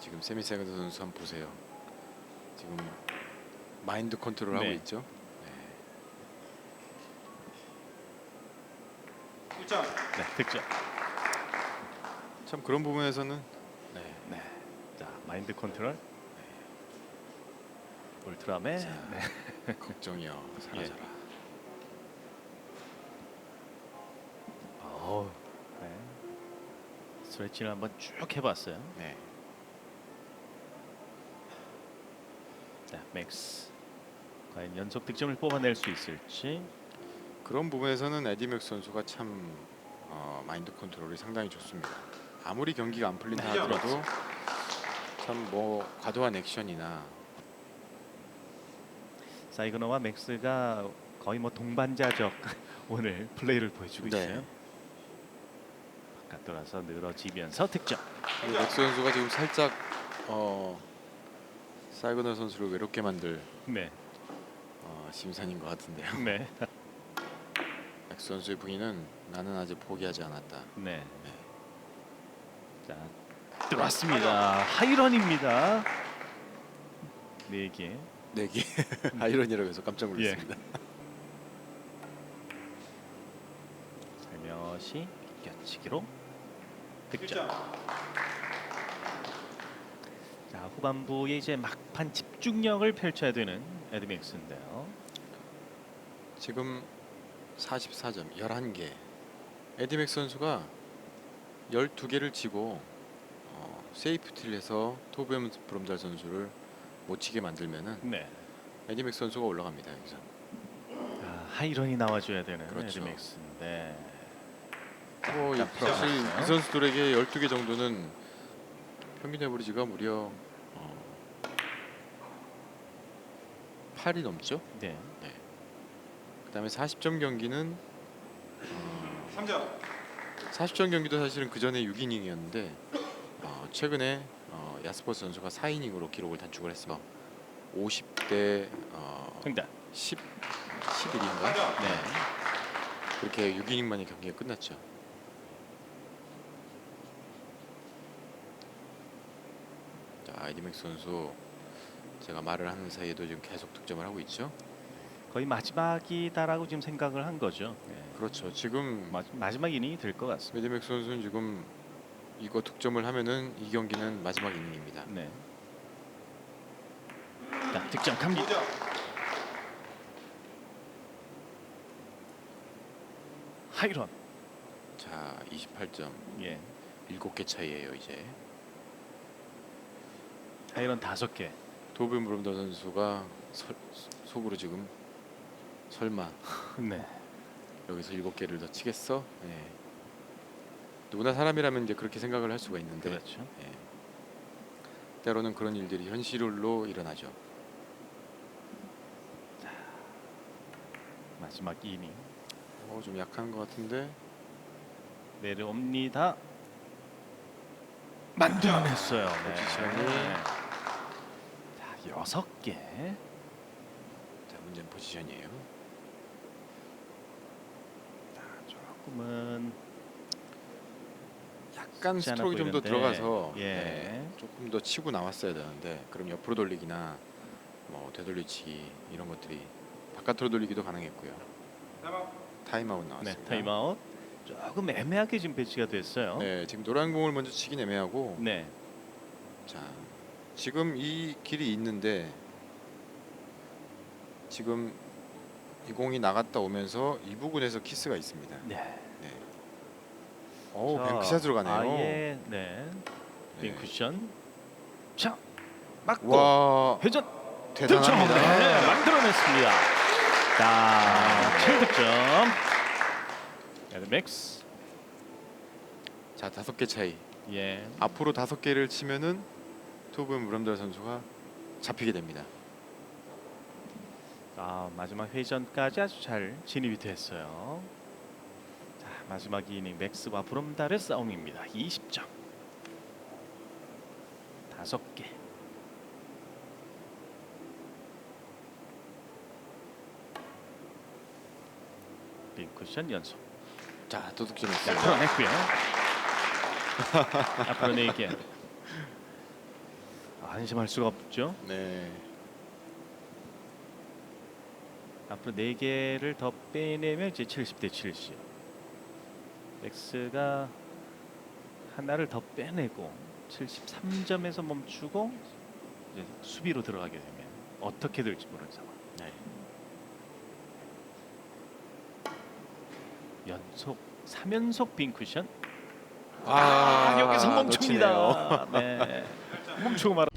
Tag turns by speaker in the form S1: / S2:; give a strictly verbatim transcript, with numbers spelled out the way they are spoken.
S1: 지금 세미세그드 선수 한번 보세요. 지금 마인드 컨트롤 하고
S2: 네.
S1: 있죠.
S3: 득점.
S2: 네, 득점.
S1: 참 그런 부분에서는 네.
S2: 네. 자, 마인드 컨트롤. 울트라맨.
S1: 자,
S2: 네.
S1: 걱정이요. 사라져라.
S2: 어. 네. 스트레칭을 한번 쭉 해봤어요.
S1: 네.
S2: 자, 맥스. 과연 연속 득점을 뽑아낼 수 있을지.
S1: 그런 부분에서는 에디 맥스 선수가 참 어, 마인드 컨트롤이 상당히 좋습니다. 아무리 경기가 안 풀린다
S3: 네.
S1: 하더라도 참 뭐 과도한 액션이나
S2: 사이그너와 맥스가 거의 뭐 동반자적 오늘 플레이를 보여주고
S1: 네.
S2: 있어요. 바깥 돌아서 늘어지면서 득점.
S1: 그리고 맥스 선수가 지금 살짝 어, 사이그너 선수를 외롭게 만들
S2: 네,
S1: 어, 심산인 것 같은데요.
S2: 네,
S1: 맥스 선수의 부인은 나는 아직 포기하지 않았다.
S2: 네. 자, 들어왔습니다. 하이런입니다. 네 개.
S1: 내기 아이러니라고 해서 깜짝
S2: 예.
S1: 놀랐습니다.
S2: 살며시 껴치기로 득점.
S3: 득점.
S2: 자, 후반부에 이제 막판 집중력을 펼쳐야 되는 에드맥스인데요.
S1: 지금 사십사 점 열한 개. 에디 맥스 선수가 열두 개를 치고 어, 세이프티를 해서 토비엄 브롬달 선수를 못 치게 만들면은
S2: 네.
S1: 에디 맥스 선수가 올라갑니다. 여기서.
S2: 아, 하이런이 나와줘야 되는
S1: 그렇죠.
S2: 에드맥스인데.
S1: 뭐 이-
S2: 자,
S1: 사실
S2: 풀어봤어요.
S1: 이 선수들에게 열두 개 정도는 평균 에버리지가 무려 어, 팔이 넘죠.
S2: 네.
S1: 그다음에 사십 점 경기는 어,
S3: 삼 점.
S1: 사십 점 경기도 사실은 그 전에 육 이닝이었는데 어, 최근에 어, 야스퍼스 선수가 사 이닝으로 기록을 단축을 했어. 오십 대 어,
S2: 정답.
S1: 십, 십일인가?
S3: 삼 점.
S2: 네.
S1: 그렇게 육 이닝 만에 경기가 끝났죠. 자, 에디 맥스 선수 제가 말을 하는 사이에도 지금 계속 득점을 하고 있죠.
S2: 거의 마지막이다라고 지금 생각을 한 거죠. 네.
S1: 그렇죠. 지금
S2: 마, 마지막 이닝이 될 것 같습니다.
S1: 에디 맥스 선수는 지금 이거 득점을 하면은 이 경기는 마지막 이닝입니다.
S2: 네. 자, 득점 갑니다.
S3: 오 점.
S2: 하이런.
S1: 자, 이십팔 점.
S2: 예.
S1: 일곱 개 차이예요, 이제.
S2: 하이런 다섯 개.
S1: 도빈 브롬더 선수가 설, 속으로 지금 설마
S2: 네.
S1: 여기서 일곱 개를 더 치겠어? 네. 누구나 사람이라면 이제 그렇게 생각을 할 수가 있는데
S2: 그렇죠.
S1: 예. 때로는 그런 일들이 현실로 일어나죠.
S2: 마지막 이닝
S1: 어, 좀 약한 것 같은데.
S2: 내려옵니다. 만들어냈어요. 네.
S1: 포지션이.
S2: 자, 여섯 개.
S1: 자, 문제는 포지션이에요.
S2: 자, 조금은
S1: 약간
S2: 쉽지 않아
S1: 스트로크 좀 더
S2: 보이는데,
S1: 들어가서
S2: 예.
S1: 네, 조금 더 치고 나왔어야 되는데 그럼 옆으로 돌리기나 뭐 되돌리치기 이런 것들이 바깥으로 돌리기도 가능했고요.
S3: 타임아웃.
S1: 타임아웃
S2: 네,
S1: 나왔습니다.
S2: 타임아웃. 조금 애매하게 지금 배치가 됐어요.
S1: 네, 지금 노란 공을 먼저 치긴 애매하고
S2: 네.
S1: 자, 지금 이 길이 있는데 지금 이 공이 나갔다 오면서 이 부분에서 키스가 있습니다.
S2: 네.
S1: 네. 오,
S2: 자,
S1: 뱅크샷으로 가네요.
S2: 아예 네.
S1: 네.
S2: 빈 쿠션. 자, 맞고
S1: 와,
S2: 회전
S1: 대단합니다.
S2: 득점! 네, 만들어냈습니다. 자, 칠 득점. 에드맥스.
S1: 자, 다섯 개 차이.
S2: 예.
S1: 앞으로 다섯 개를 치면은 토브 무람달 선수가 잡히게 됩니다.
S2: 아, 마지막 회전까지 아주 잘 진입이 됐어요. 자, 마지막 이닝 맥스와 브롬달의 싸움입니다. 이십 점. 다섯 개. 빈 쿠션 연속.
S1: 자, 또
S2: 자,
S1: 득점했어요.
S2: 풀어냈고요. 앞으로 네 개. 안심할 수가 없죠.
S1: 네.
S2: 앞으로 네 개를 더 빼내면 이제 칠십 대 칠십. 맥스가 하나를 더 빼내고 칠십삼 점에서 멈추고 이제 수비로 들어가게 되면 어떻게 될지 모르는 상황.
S1: 네.
S2: 연속 삼 연속 빈 쿠션.
S1: 아,
S2: 여기서
S1: 놓치네요.
S2: 멈춥니다. 네. 멈추고 말.